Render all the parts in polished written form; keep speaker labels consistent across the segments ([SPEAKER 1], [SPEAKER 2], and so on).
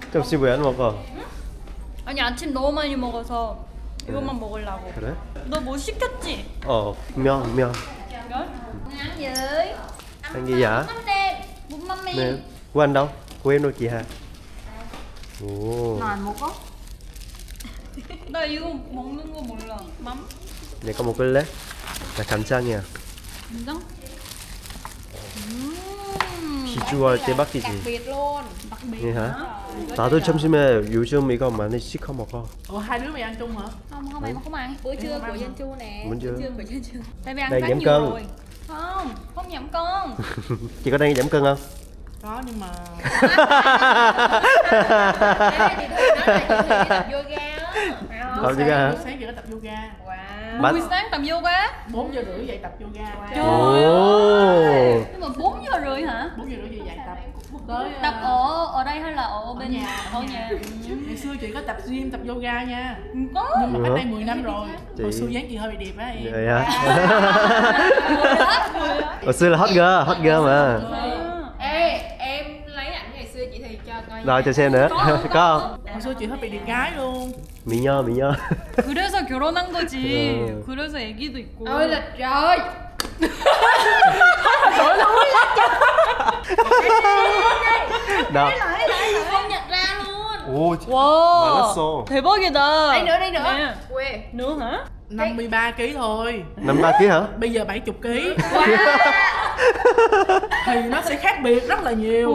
[SPEAKER 1] 점심 왜 안 먹어?
[SPEAKER 2] 아니 아침 너무 많이 먹어서 이것만 먹으려고.
[SPEAKER 1] 그래?
[SPEAKER 2] 너 뭐 시켰지?
[SPEAKER 1] 면.
[SPEAKER 2] 면?
[SPEAKER 3] Ăn gì?
[SPEAKER 1] Ăn gì vậy?
[SPEAKER 3] Mắm nêm, bún mắm
[SPEAKER 1] Nè,
[SPEAKER 3] nêm.
[SPEAKER 1] của anh đâu? Của em đâu chị Hà? 오,
[SPEAKER 3] Nào một có.
[SPEAKER 2] 나 이거 먹는 거 몰라. 맘?
[SPEAKER 1] 얘 거 먹을래? 나 간장이야.
[SPEAKER 2] 간장?
[SPEAKER 1] 비주얼
[SPEAKER 3] Đặc
[SPEAKER 1] 대박이지.
[SPEAKER 3] biệt luôn.
[SPEAKER 2] đặc biệt
[SPEAKER 1] 예, hả? 나도 점심에 요즘 이거 많이 시켜 먹어.
[SPEAKER 4] Ủa hai đứa mày ăn chung hả?
[SPEAKER 3] Không em không ăn. Bữa trưa của Danh Chu nè.
[SPEAKER 1] Bữa trưa.
[SPEAKER 3] của Danh Chu.
[SPEAKER 2] tại vì ăn
[SPEAKER 1] Đang
[SPEAKER 2] quá
[SPEAKER 1] giảm
[SPEAKER 2] nhiều
[SPEAKER 1] cân.
[SPEAKER 2] rồi. Không giảm cân.
[SPEAKER 1] Chị có đang giảm cân không?
[SPEAKER 4] Có nhưng mà
[SPEAKER 3] Thế thì thôi nói là chị Thùy đi tập yoga á.
[SPEAKER 1] Tập yoga hả?
[SPEAKER 4] sáng giờ có tập yoga.
[SPEAKER 3] Wow.
[SPEAKER 1] Bắt-
[SPEAKER 2] buổi sáng tập yoga.
[SPEAKER 4] 4 giờ rưỡi dậy tập yoga.
[SPEAKER 2] Trời
[SPEAKER 1] 오.
[SPEAKER 2] nhưng mà 4 giờ rưỡi hả?
[SPEAKER 4] 4 giờ rưỡi dậy tập. Tới
[SPEAKER 2] Tập ở đây hay là ở bên
[SPEAKER 4] nhà.
[SPEAKER 2] ở nhà?
[SPEAKER 4] Ngày xưa chị có tập gym, tập yoga nha.
[SPEAKER 2] có.
[SPEAKER 4] Nhưng mà
[SPEAKER 1] Ủa?
[SPEAKER 4] cách đây 10 năm rồi.
[SPEAKER 1] Chị-
[SPEAKER 4] Hồi xưa dáng chị hơi bị đẹp á em.
[SPEAKER 1] Vậy hả? Hồi xưa là hot girl mà.
[SPEAKER 3] Ê, em lấy ảnh ngày xưa chị Thùy cho coi.
[SPEAKER 1] Rồi cho xem nữa. Có không?
[SPEAKER 4] Hồi xưa chị hơi bị đẹp gái luôn.
[SPEAKER 1] 미녀.
[SPEAKER 2] 그래서 결혼한 거지.
[SPEAKER 1] 어.
[SPEAKER 2] 그래서 애기도 있고.
[SPEAKER 3] Ôi là trời.
[SPEAKER 1] 나.
[SPEAKER 3] Không nhận ra luôn.
[SPEAKER 1] 오,
[SPEAKER 2] 와
[SPEAKER 1] 말랐어.
[SPEAKER 2] 대박이다.
[SPEAKER 3] Đây nữa, đây nữa.
[SPEAKER 2] 네.
[SPEAKER 3] Quê.
[SPEAKER 2] nữa hả?
[SPEAKER 4] 53 kg thôi.
[SPEAKER 1] 53 kg hả?
[SPEAKER 4] Bây giờ 70 kg. Thì nó sẽ khác biệt rất là nhiều.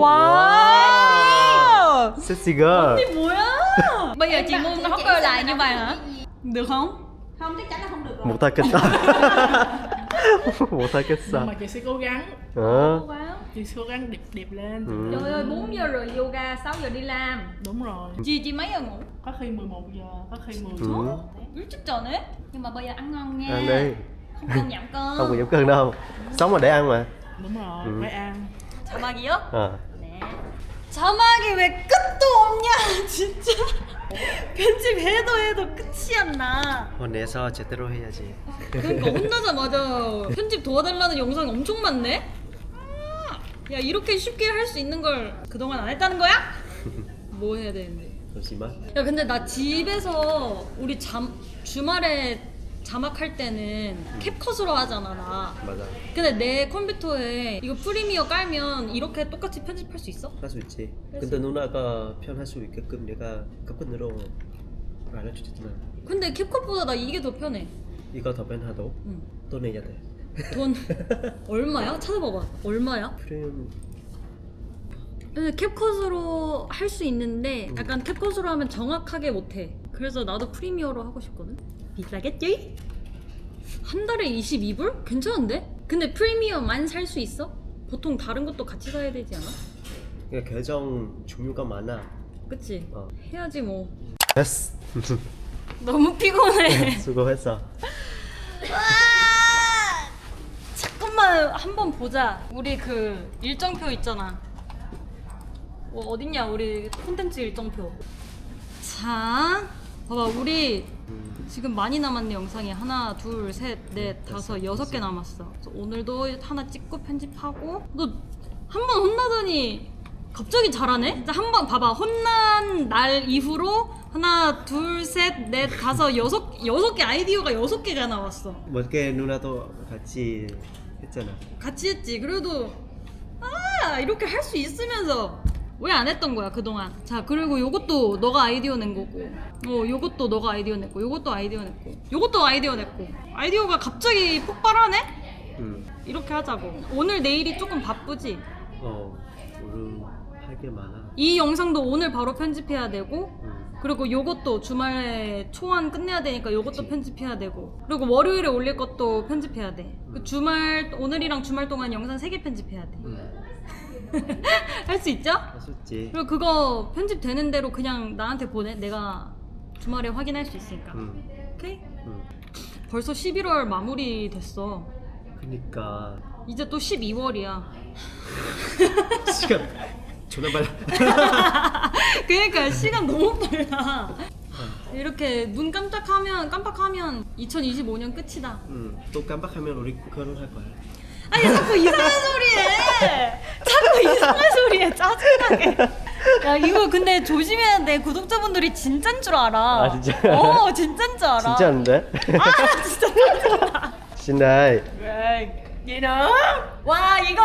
[SPEAKER 2] Wow.
[SPEAKER 1] Sexy girl.
[SPEAKER 2] Cái 뭐야? Bây giờ chị muốn hot girl lại như vậy hả? Được không?
[SPEAKER 3] Không, chắc chắn là không được rồi.
[SPEAKER 1] 못하겠다.
[SPEAKER 4] Nhưng
[SPEAKER 1] 못하겠어.
[SPEAKER 4] mà chị sẽ cố gắng.
[SPEAKER 1] 어.
[SPEAKER 2] Wow.
[SPEAKER 4] Chị sẽ cố gắng đẹp lên.
[SPEAKER 1] 음.
[SPEAKER 2] Trời ơi 4 giờ rồi yoga, 6 giờ đi làm.
[SPEAKER 4] Đúng rồi.
[SPEAKER 2] Chị mấy giờ ngủ?
[SPEAKER 4] Có khi 11 giờ, có khi 10 giờ.
[SPEAKER 1] 음.
[SPEAKER 2] 일찍 자네? Nhưng mà bây giờ ăn ngon nha.
[SPEAKER 1] ăn đi.
[SPEAKER 2] Không cần giảm cân.
[SPEAKER 1] Không có giảm cân đâu. Sống là để ăn mà.
[SPEAKER 4] Đúng rồi,
[SPEAKER 1] Ừ.
[SPEAKER 4] phải ăn.
[SPEAKER 2] 자막이요?
[SPEAKER 1] 어.
[SPEAKER 2] 네. 자막이 왜 끝도 없냐 진짜. 편집해도 해도 끝이 안 나.
[SPEAKER 1] 혼내서 제대로 해야지.
[SPEAKER 2] 그러니까 혼나자마자 편집 도와달라는 영상이 엄청 많네? 야 이렇게 쉽게 할 수 있는 걸 그동안 안 했다는 거야? 뭐 해야 되는데?
[SPEAKER 1] 잠시만.
[SPEAKER 2] 야 근데 나 집에서 우리 주말에 자막할 때는 캡컷으로 하잖아 나.
[SPEAKER 1] 맞아.
[SPEAKER 2] 근데 내 컴퓨터에 이거 프리미어 깔면 이렇게 똑같이 편집할 수 있어?
[SPEAKER 1] 할 수 있지. 근데 누나가 편할 수 있게끔 내가 캡컷으로 알려주잖아.
[SPEAKER 2] 근데 캡컷보다 나 이게 더 편해.
[SPEAKER 1] 이거 더 편하도
[SPEAKER 2] 응.
[SPEAKER 1] 또 내야 돼.
[SPEAKER 2] 돈 얼마야? 찾아봐봐. 얼마야?
[SPEAKER 1] 프레임
[SPEAKER 2] 근데 캡컷으로 할 수 있는데 약간 캡컷으로 하면 정확하게 못해. 그래서 나도 프리미어로 하고 싶거든. 비싸겠지? 한 달에 22불? 괜찮은데? 근데 프리미어만 살 수 있어? 보통 다른 것도 같이 사야 되지 않아?
[SPEAKER 1] 그러니까 계정 종류가 많아.
[SPEAKER 2] 그치?
[SPEAKER 1] 어.
[SPEAKER 2] 해야지 뭐.
[SPEAKER 1] 됐어.
[SPEAKER 2] 너무 피곤해.
[SPEAKER 1] 수고했어.
[SPEAKER 2] 잠깐만 한번 보자. 우리 그 일정표 있잖아. 어딨냐 우리 콘텐츠 일정표. 자, 봐봐 우리 지금 많이 남았네 영상이. 하나, 둘, 셋, 넷, 다섯, 6개 남았어. 그래서 오늘도 하나 찍고 편집하고. 너 한 번 혼나더니 갑자기 잘하네? 진짜 한 번 봐봐. 혼난 날 이후로 하나, 둘, 셋, 넷, 다섯, 여섯 개 아이디어가 6개가 나왔어.
[SPEAKER 1] 몇개 누나도 같이 했잖아.
[SPEAKER 2] 같이 했지. 그래도 이렇게 할 수 있으면서 왜 안 했던 거야 그동안. 자 그리고 요것도 너가 아이디어 낸 거고, 요것도 너가 아이디어 냈고, 요것도 아이디어 냈고, 요것도 아이디어 냈고. 아이디어가 갑자기 폭발하네? 이렇게 하자고. 오늘 내일이 조금 바쁘지?
[SPEAKER 1] 오늘 할 게 많아.
[SPEAKER 2] 이 영상도 오늘 바로 편집해야 되고,
[SPEAKER 1] 음.
[SPEAKER 2] 그리고 요것도 주말에 초안 끝내야 되니까 요것도 편집해야 되고, 그리고 월요일에 올릴 것도 편집해야 돼. 그 오늘이랑 주말 동안 영상 3개 편집해야 돼. 할 수 있죠?
[SPEAKER 1] 할 수 있지.
[SPEAKER 2] 그리고 그거 편집되는 대로 그냥 나한테 보내. 내가 주말에 확인할 수 있으니까. 오케이? 벌써 11월 마무리 됐어.
[SPEAKER 1] 그니까
[SPEAKER 2] 이제 또 12월이야.
[SPEAKER 1] 시간 존나 빨라.
[SPEAKER 2] 그러니까 시간 너무 빨라. 이렇게 눈 깜빡하면 2025년 끝이다.
[SPEAKER 1] 또 깜빡하면 우리 결혼할 거야.
[SPEAKER 2] 아니 자꾸 이상한 소리 해. 자꾸 이상한 소리 해. 짜증나게. 야 이거 근데 조심해야 돼. 구독자분들이 진짠 줄 알아.
[SPEAKER 1] 아, 진짜?
[SPEAKER 2] 진짠 줄 알아.
[SPEAKER 1] 진짜인데?
[SPEAKER 2] 아 진짜.
[SPEAKER 1] Xin ơi.
[SPEAKER 4] Gì nữa?
[SPEAKER 2] 와 이거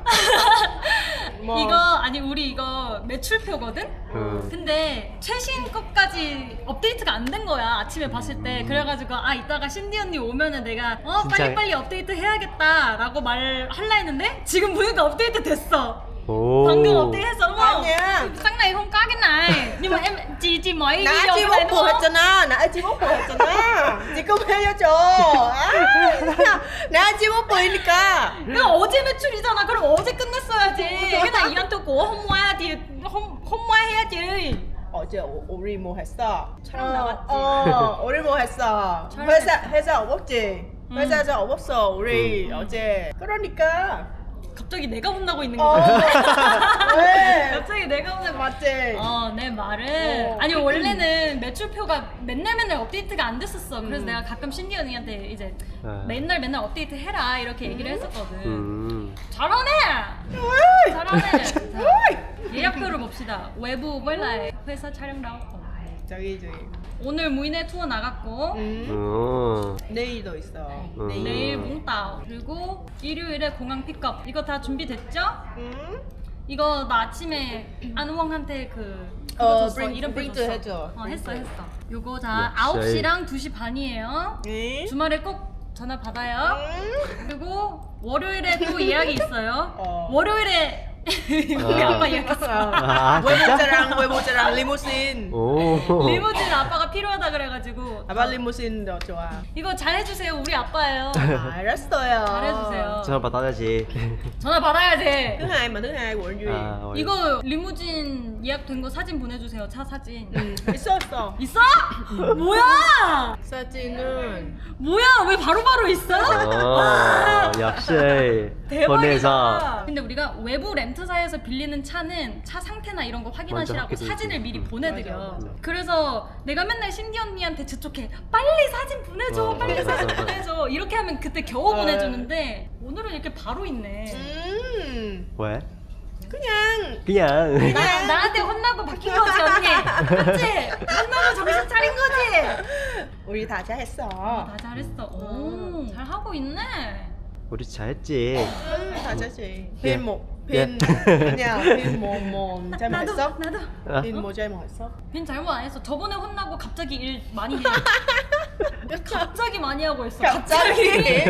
[SPEAKER 4] 뭐?
[SPEAKER 2] 이거 아니 우리 이거 매출표거든?
[SPEAKER 1] 음.
[SPEAKER 2] 근데 최신 것까지 업데이트가 안 된 거야 아침에 봤을 때. 그래가지고 아 이따가 신디 언니 오면은 내가
[SPEAKER 1] 진짜?
[SPEAKER 2] 빨리빨리 업데이트 해야겠다 라고 말할라 했는데 지금 보니까 업데이트 됐어.
[SPEAKER 1] Ồ.
[SPEAKER 2] 방금 업데이트 했어. đúng không?
[SPEAKER 3] nha.
[SPEAKER 2] Sáng nay không có cái này. Nhưng mà em chị mỗi
[SPEAKER 3] Nãy
[SPEAKER 2] video
[SPEAKER 3] chị
[SPEAKER 2] cái
[SPEAKER 3] bốc
[SPEAKER 2] này đúng
[SPEAKER 3] bùa hết
[SPEAKER 2] không?
[SPEAKER 3] cho nó, nãy chị bốc bùa hết cho nó. chị không hề cho 줘. nãy chị bốc bùa 니까.
[SPEAKER 2] 이거 어제 매출이잖아. 그럼 어제 끝냈어야지. 그냥 이한테 고 홈와야 뒤 홈와 해야지.
[SPEAKER 3] 어제 우리 뭐 했어?
[SPEAKER 2] 촬영 나갔지.
[SPEAKER 3] 우리 뭐 했어?
[SPEAKER 2] 촬영
[SPEAKER 3] 회사 없었지? 회사에서 없었어. 우리 어제. 그러니까.
[SPEAKER 2] 갑자기 내가 혼나고 있는
[SPEAKER 3] 어.
[SPEAKER 2] 거야.
[SPEAKER 3] 왜?
[SPEAKER 2] 갑자기 내가 혼나고.
[SPEAKER 3] 맞지?
[SPEAKER 2] 내 말은 아니 원래는 매출표가 맨날 업데이트가 안 됐었어. 그래서 내가 가끔 신디 언니한테 이제
[SPEAKER 1] 아.
[SPEAKER 2] 맨날 업데이트 해라 이렇게 얘기를 했었거든. 잘하네.
[SPEAKER 3] Ui.
[SPEAKER 2] 잘하네. 자,
[SPEAKER 3] Ui.
[SPEAKER 2] 예약표를 봅시다. 외부 원래 회사 촬영 나왔고
[SPEAKER 3] 저기.
[SPEAKER 2] 오늘 무인의 투어 나갔고
[SPEAKER 1] Ồ.
[SPEAKER 3] 내일도 있어.
[SPEAKER 2] 내일 몽따오 그리고 일요일에 공항 픽업 이거 다 준비됐죠?
[SPEAKER 3] 응?
[SPEAKER 2] 이거 나 아침에 안우엉한테 그거 줬어.
[SPEAKER 3] 브링-
[SPEAKER 2] 이름표
[SPEAKER 3] 브링크
[SPEAKER 2] 줬어.
[SPEAKER 3] 해줘.
[SPEAKER 2] 했어. 요거 다
[SPEAKER 1] 역시.
[SPEAKER 2] 9시랑 2시 반이에요.
[SPEAKER 3] 응?
[SPEAKER 2] 주말에 꼭 전화 받아요.
[SPEAKER 3] 응?
[SPEAKER 2] 그리고 월요일에 또 예약이 있어요. 월요일에 우리
[SPEAKER 1] 아.
[SPEAKER 2] 아빠 예약했어.
[SPEAKER 1] 아, 진짜?
[SPEAKER 3] 외모자랑 리무신.
[SPEAKER 1] Ồ.
[SPEAKER 2] 리무진 아빠가 필요하다 그래가지고
[SPEAKER 3] 아빠 리무신도 좋아.
[SPEAKER 2] 이거 잘해주세요. 우리 아빠예요.
[SPEAKER 3] 알았어요.
[SPEAKER 2] 잘해주세요.
[SPEAKER 1] Cho bà tao ra gì?
[SPEAKER 2] 전화 받아야지.
[SPEAKER 3] thứ hai mà thứ hai của anh Duy.
[SPEAKER 1] 아,
[SPEAKER 2] 이거 리무진 예약된 거 사진 보내주세요. 차 사진.
[SPEAKER 3] 있었어.
[SPEAKER 2] 있어? 뭐야?
[SPEAKER 3] 사진은
[SPEAKER 2] 뭐야? 왜 바로바로 있어?
[SPEAKER 1] 어, 역시 보내서
[SPEAKER 2] 대박이다. 근데 우리가 외부 렌트사에서 빌리는 차는 차 상태나 이런 거 확인하시라고
[SPEAKER 1] 먼저
[SPEAKER 2] 사진을 미리 보내드려.
[SPEAKER 3] 맞아.
[SPEAKER 2] 그래서 내가 맨날 신디 언니한테 재촉해. 빨리 사진 보내줘. 빨리
[SPEAKER 1] 맞아,
[SPEAKER 2] 사진
[SPEAKER 1] 맞아.
[SPEAKER 2] 보내줘. 이렇게 하면 그때 겨우 보내주는데 오늘은 이렇게 바로 있네.
[SPEAKER 1] 왜?
[SPEAKER 3] 그냥
[SPEAKER 1] 그냥
[SPEAKER 2] 나한테 혼나고 바뀐 거지 언니. 맞지? 혼나고 정신 차린 거지?
[SPEAKER 3] 우리 다 잘했어.
[SPEAKER 2] 다 잘했어. 오, 잘 하고 있네.
[SPEAKER 1] 우리 잘했지.
[SPEAKER 3] 다 잘했지.
[SPEAKER 1] 예.
[SPEAKER 3] 빈 그냥 빈뭐 잘못했어?
[SPEAKER 2] 나도.
[SPEAKER 1] 아?
[SPEAKER 3] 빈뭐 잘못했어?
[SPEAKER 2] 빈 잘못 안 했어. 저번에 혼나고 갑자기 일 많이 해. 갑자기 많이 하고 있어.
[SPEAKER 3] 갑자기?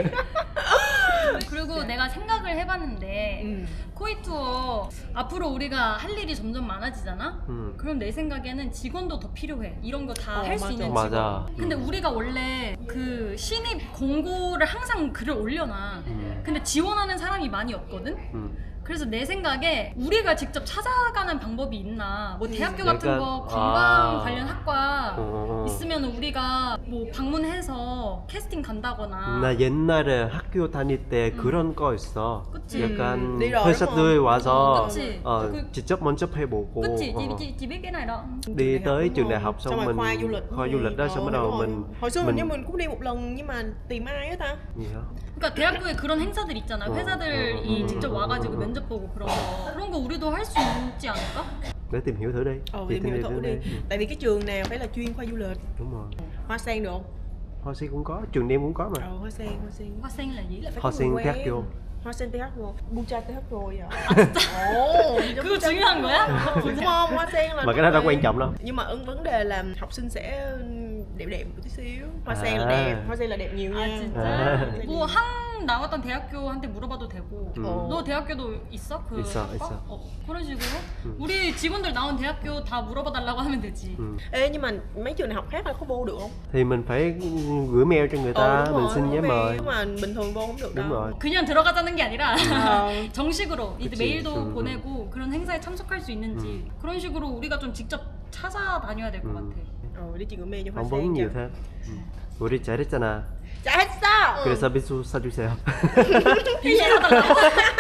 [SPEAKER 2] 그리고 내가 생각을 해봤는데
[SPEAKER 3] 음.
[SPEAKER 2] 코이 투어 앞으로 우리가 할 일이 점점 많아지잖아. 그럼 내 생각에는 직원도 더 필요해. 이런 거 다 할 수
[SPEAKER 3] 맞아.
[SPEAKER 2] 있는 직원.
[SPEAKER 1] 맞아.
[SPEAKER 2] 근데 우리가 원래 그 신입 공고를 항상 글을 올려놔. 근데 지원하는 사람이 많이 없거든. 그래서 내 생각에 우리가 직접 찾아가는 방법이 있나. 뭐 대학교 같은
[SPEAKER 1] 약간,
[SPEAKER 2] 거 관광
[SPEAKER 1] 아.
[SPEAKER 2] 관련 학과
[SPEAKER 1] 어.
[SPEAKER 2] 있으면 우리가 뭐 방문해서 캐스팅 간다거나.
[SPEAKER 1] 나 옛날에 학교 다닐 때 그런 거 있어.
[SPEAKER 2] 그치.
[SPEAKER 1] 약간
[SPEAKER 3] đi rồi
[SPEAKER 1] 회사들
[SPEAKER 3] đúng
[SPEAKER 1] 와서
[SPEAKER 2] 그치.
[SPEAKER 1] 직접 먼저 해보고
[SPEAKER 2] 그치?
[SPEAKER 1] 어.
[SPEAKER 2] chị biết cái này đó.
[SPEAKER 1] đi tới
[SPEAKER 3] đúng
[SPEAKER 1] trường đại
[SPEAKER 3] không?
[SPEAKER 1] học xong
[SPEAKER 3] rồi
[SPEAKER 1] mình
[SPEAKER 3] khoa du lịch
[SPEAKER 1] khoa du lịch đó xong bắt đầu
[SPEAKER 3] đúng rồi.
[SPEAKER 1] mình
[SPEAKER 3] hồi xưa mình mình cũng đi một lần nhưng mà tìm ai á ta?
[SPEAKER 1] gì hả?
[SPEAKER 2] 그러니까 대학교에 그런 행사들 있잖아. 회사들이 직접 와가지고 면접 보고 그런 거 우리도 할 수 있지 않을까?
[SPEAKER 1] để tìm hiểu thử đi. Chị
[SPEAKER 3] tìm hiểu thử đi. Tại vì cái trường nào phải là chuyên khoa du lịch.
[SPEAKER 1] Đúng rồi.
[SPEAKER 3] Hoa sen được không?
[SPEAKER 1] Hoa sen cũng có, trường em cũng có mà.
[SPEAKER 3] Hoa sen.
[SPEAKER 2] Hoa sen là gì?
[SPEAKER 3] Phải
[SPEAKER 1] Hoa
[SPEAKER 3] có
[SPEAKER 1] sen
[SPEAKER 3] người
[SPEAKER 1] TH
[SPEAKER 3] quen.
[SPEAKER 1] vô.
[SPEAKER 3] Hoa sen TH vô. Bucha TH rồi à? Ồ,
[SPEAKER 2] 그거 중요한 거야?
[SPEAKER 3] đúng không? Hoa sen là
[SPEAKER 1] Mà cái đó đâu quan trọng đâu.
[SPEAKER 3] Nhưng mà vấn đề là học sinh sẽ đẹp một tí xíu. Hoa sen là
[SPEAKER 1] À.
[SPEAKER 3] đẹp. Hoa sen là đẹp nhiều nha.
[SPEAKER 2] 아 진짜?
[SPEAKER 1] 아.
[SPEAKER 2] 뭐 항 나왔던 대학교한테 물어봐도 되고
[SPEAKER 3] 어.
[SPEAKER 2] 너 대학교도 있어? 그
[SPEAKER 1] 있어,
[SPEAKER 2] 학과?
[SPEAKER 1] 있어.
[SPEAKER 2] 그런 식으로 우리 직원들 나온 대학교 다 물어봐 달라고 하면 되지.
[SPEAKER 3] Ê nhưng mà mấy trường đại học khác là có vô được không?
[SPEAKER 1] Thì mình phải gửi mail cho người ta,
[SPEAKER 3] đúng
[SPEAKER 1] mình
[SPEAKER 3] rồi,
[SPEAKER 1] xin giấy
[SPEAKER 3] đúng
[SPEAKER 1] mời.
[SPEAKER 3] Nhưng mà bình thường vô không được đâu.
[SPEAKER 1] Đúng rồi.
[SPEAKER 2] 그냥 들어가자는 게 아니라
[SPEAKER 3] 어.
[SPEAKER 2] 정식으로 이제
[SPEAKER 1] 그치.
[SPEAKER 2] 메일도 보내고 그런 행사에 참석할 수 있는지 그런 식으로 우리가 좀 직접 찾아다녀야 될 것 같아.
[SPEAKER 3] Đi chị gửi mail cho Hoa
[SPEAKER 1] phỏng
[SPEAKER 3] sen
[SPEAKER 1] vấn nhiều
[SPEAKER 3] cho.
[SPEAKER 1] thêm. 우리 잘했잖아.
[SPEAKER 3] 잘했어!
[SPEAKER 1] 그래서 빈수 사주세요.
[SPEAKER 2] 빙수 사달라고?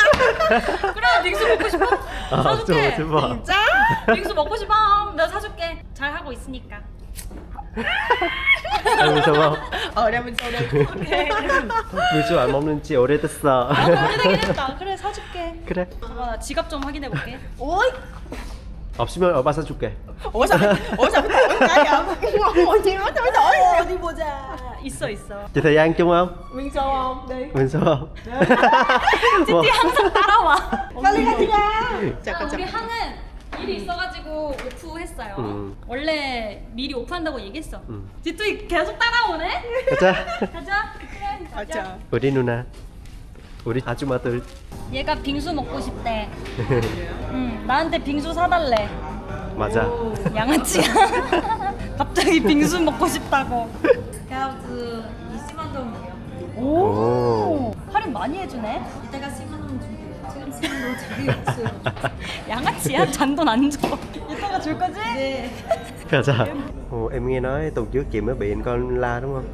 [SPEAKER 2] 그래 빙수 먹고 싶어? 사줄게.
[SPEAKER 1] 좀 봐.
[SPEAKER 3] 진짜?
[SPEAKER 2] 빙수 먹고 싶어? 내가 사줄게. 잘 하고 있으니까.
[SPEAKER 1] 빈수 봐.
[SPEAKER 3] Đang bên sau đây.
[SPEAKER 1] 빈수 안 먹는 지 오래됐어.
[SPEAKER 2] 나도 오래되긴 했다. 그래 사줄게.
[SPEAKER 1] 그래.
[SPEAKER 2] 잠깐 나 지갑 좀 확인해 볼게.
[SPEAKER 3] Ui!
[SPEAKER 1] 없으면 오빠 사줄게.
[SPEAKER 3] ủa sao phải đổi cái vậy? Ngồi chi nói sao phải đổi?
[SPEAKER 2] 어디 보자. 있어 있어.
[SPEAKER 1] Chị thời gian chung không?
[SPEAKER 3] Nguyên show không? Đi.
[SPEAKER 1] Mình sao không?
[SPEAKER 2] 찌띠 항상 따라와.
[SPEAKER 3] 빨리 가지가.
[SPEAKER 2] 아,
[SPEAKER 3] 잠깐
[SPEAKER 2] 우리
[SPEAKER 3] 잠깐.
[SPEAKER 2] 항은 일이 있어가지고 오프했어요. 원래 미리 오프한다고 얘기했어. 찌뚜이 계속 따라오네.
[SPEAKER 1] 가자.
[SPEAKER 2] 가자. 그래, 가자.
[SPEAKER 3] 가자.
[SPEAKER 1] 우리 누나. 우리 아줌마들.
[SPEAKER 2] 얘가 빙수 먹고 싶대. 응, 나한테 빙수 사달래.
[SPEAKER 1] 맞아.
[SPEAKER 2] 양아치야. 갑자기 빙수 먹고 싶다고. 가우즈 20만 동이에요. 오. 할인 많이 해주네. 이따가 10만 원 줄게요. 지금 10만 원 자기 없어요. 양아치야? 잔돈 안 줘. 이따가 줄 거지? 네.
[SPEAKER 1] Gaza. Ồ, em nghe nói tuần trước chị mới bị anh con la đúng không?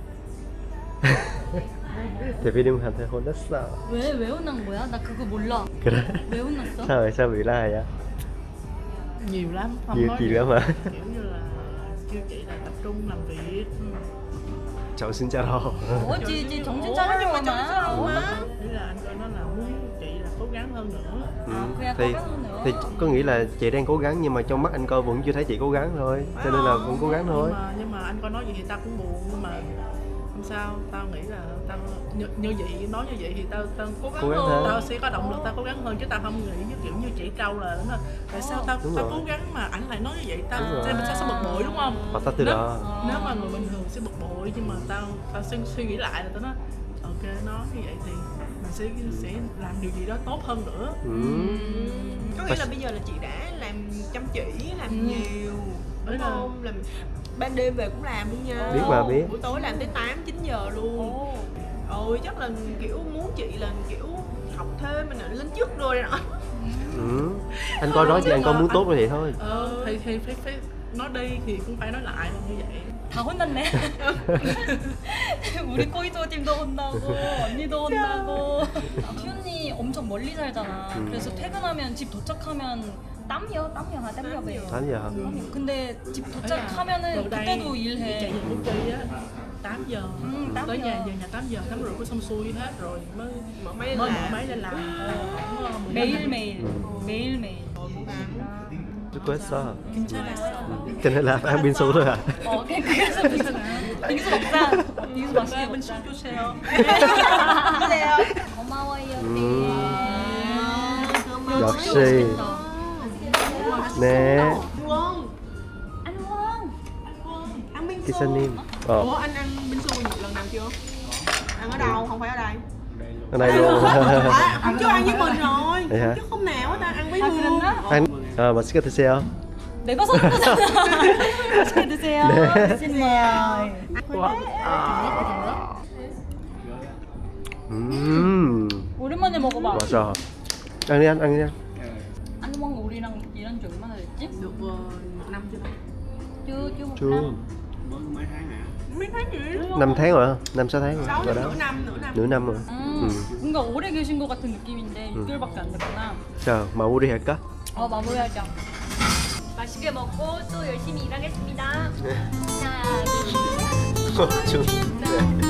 [SPEAKER 1] Thì phim hành thể hôn rất sợ.
[SPEAKER 2] 왜 혼난 거야? 나 그거 몰라.
[SPEAKER 1] 그래?
[SPEAKER 2] 왜 혼났어?
[SPEAKER 1] Sao vậy? Sao bị la vậy?
[SPEAKER 4] Nhiều lắm, không
[SPEAKER 1] Nhiều
[SPEAKER 4] nói
[SPEAKER 1] chuyện
[SPEAKER 4] được.
[SPEAKER 1] lắm hả?
[SPEAKER 4] Kiểu như là kêu chị là tập trung làm việc.
[SPEAKER 1] Cháu xin chào đâu.
[SPEAKER 2] 어찌 정신 차리려고
[SPEAKER 3] 정신 차리려고
[SPEAKER 2] 하나?
[SPEAKER 3] mà.
[SPEAKER 4] Ý là anh coi nó là muốn chị là cố gắng hơn nữa.
[SPEAKER 2] 그냥
[SPEAKER 1] thì
[SPEAKER 2] cố gắng hơn nữa.
[SPEAKER 1] thì có nghĩa là chị đang cố gắng nhưng mà trong mắt anh coi vẫn chưa thấy chị cố gắng thôi. Cho nên là cũng cố gắng thôi.
[SPEAKER 4] Nhưng mà anh coi nói vậy thì tao cũng buồn, nhưng mà không sao, tao nghĩ là tao như vậy, nói như vậy thì tao cố
[SPEAKER 1] Cố gắng
[SPEAKER 4] gắng
[SPEAKER 1] hơn.
[SPEAKER 4] tao sẽ có động lực, tao cố gắng hơn, chứ tao không nghĩ như kiểu như chị Trâu là nó tại sao tao
[SPEAKER 1] Đúng
[SPEAKER 4] tao
[SPEAKER 1] rồi.
[SPEAKER 4] cố gắng mà ảnh lại nói như vậy, tao
[SPEAKER 1] Đúng rồi.
[SPEAKER 4] mình sẽ bực bội đúng không?
[SPEAKER 1] Bắt tắt từ
[SPEAKER 4] Nếu-
[SPEAKER 1] đó.
[SPEAKER 4] Nếu mà người bình thường sẽ bực bội, nhưng mà tao suy nghĩ lại là tao nói ok, nói như vậy thì mình sẽ làm điều gì đó tốt hơn nữa.
[SPEAKER 3] Có nghĩa là bây giờ là chị đã làm chăm chỉ, làm nhiều, đúng
[SPEAKER 4] Đúng
[SPEAKER 3] không? Làm ban đêm về cũng làm luôn nha.
[SPEAKER 1] Biết mà biết.
[SPEAKER 3] Buổi tối làm tới 8-9 giờ luôn. Ôi chắc là kiểu muốn chị là kiểu học thêm mình lên chức rồi đó.
[SPEAKER 1] Anh coi nói gì anh coi muốn tốt như vậy thôi.
[SPEAKER 4] Thì phải nói đi thì cũng phải nói lại là như vậy.
[SPEAKER 2] 다 혼났네. 우리 코이도 팀도 혼나고 언니도 혼나고. 휘언니 엄청 멀리 살잖아. 그래서 퇴근하면 집 도착하면 땀이야. 땀이야 배.
[SPEAKER 1] 8 giờ hả?
[SPEAKER 2] 근데 집 도착하면은
[SPEAKER 4] Gần đây
[SPEAKER 2] 그때도
[SPEAKER 4] chạy
[SPEAKER 2] 일해.
[SPEAKER 4] về công ty á 8 giờ
[SPEAKER 2] 8
[SPEAKER 4] tới
[SPEAKER 2] giờ.
[SPEAKER 4] nhà, về nhà 8 giờ tắm rửa có xong xuôi hết rồi mới
[SPEAKER 3] Mở máy
[SPEAKER 4] mở
[SPEAKER 3] làm.
[SPEAKER 4] máy lên làm.
[SPEAKER 2] 매일매일.
[SPEAKER 1] 수고했어.
[SPEAKER 4] 괜찮았어.
[SPEAKER 1] Cho nên là phải ăn binh su thôi à?
[SPEAKER 2] 그래서 빙수 먹자. 빙수 맛있게 먹자.
[SPEAKER 4] 주세요.
[SPEAKER 2] 고마워요.
[SPEAKER 1] 역시. 네.
[SPEAKER 3] Quân,
[SPEAKER 2] anh Quân.
[SPEAKER 3] ăn binh su.
[SPEAKER 1] 기사님.
[SPEAKER 3] Ủa anh ăn binh su lần nào chưa? Ăn ở đâu? Không phải ở đây.
[SPEAKER 1] Ở đây luôn.
[SPEAKER 3] À, hôm trước ăn với mình rồi.
[SPEAKER 1] Vậy hả?
[SPEAKER 3] Hôm trước hôm nào ta ăn với
[SPEAKER 2] 아,
[SPEAKER 3] Hương.
[SPEAKER 2] 그랬나?
[SPEAKER 1] Anh 맛있게 드세요.
[SPEAKER 2] 내가 사는 거잖아. 맛있게 드세요.
[SPEAKER 1] 네.
[SPEAKER 2] 드세요. 오랜만에 먹어봐.
[SPEAKER 1] 맞아. Ăn đi anh, ăn đi anh.
[SPEAKER 2] anh Quân 우리랑 일한 지 얼마나 됐지?
[SPEAKER 3] Được 1 năm chưa ta?
[SPEAKER 2] chưa một
[SPEAKER 1] Chưa.
[SPEAKER 2] năm.
[SPEAKER 3] Mấy tháng gì?
[SPEAKER 1] 5 tháng rồi hả? 5-6 tháng rồi.
[SPEAKER 3] 6
[SPEAKER 1] Rồi đó.
[SPEAKER 3] nửa năm, nửa năm.
[SPEAKER 1] Nửa năm rồi.
[SPEAKER 2] 뭔가 오래 계신 것 같은 느낌인데 6개월밖에 안 됐구나.
[SPEAKER 1] 자, 마무리 할까?
[SPEAKER 2] 마무리하자. 맛있게 먹고 또 열심히 일하겠습니다. 하나, 둘, 셋.
[SPEAKER 1] 좀. 네.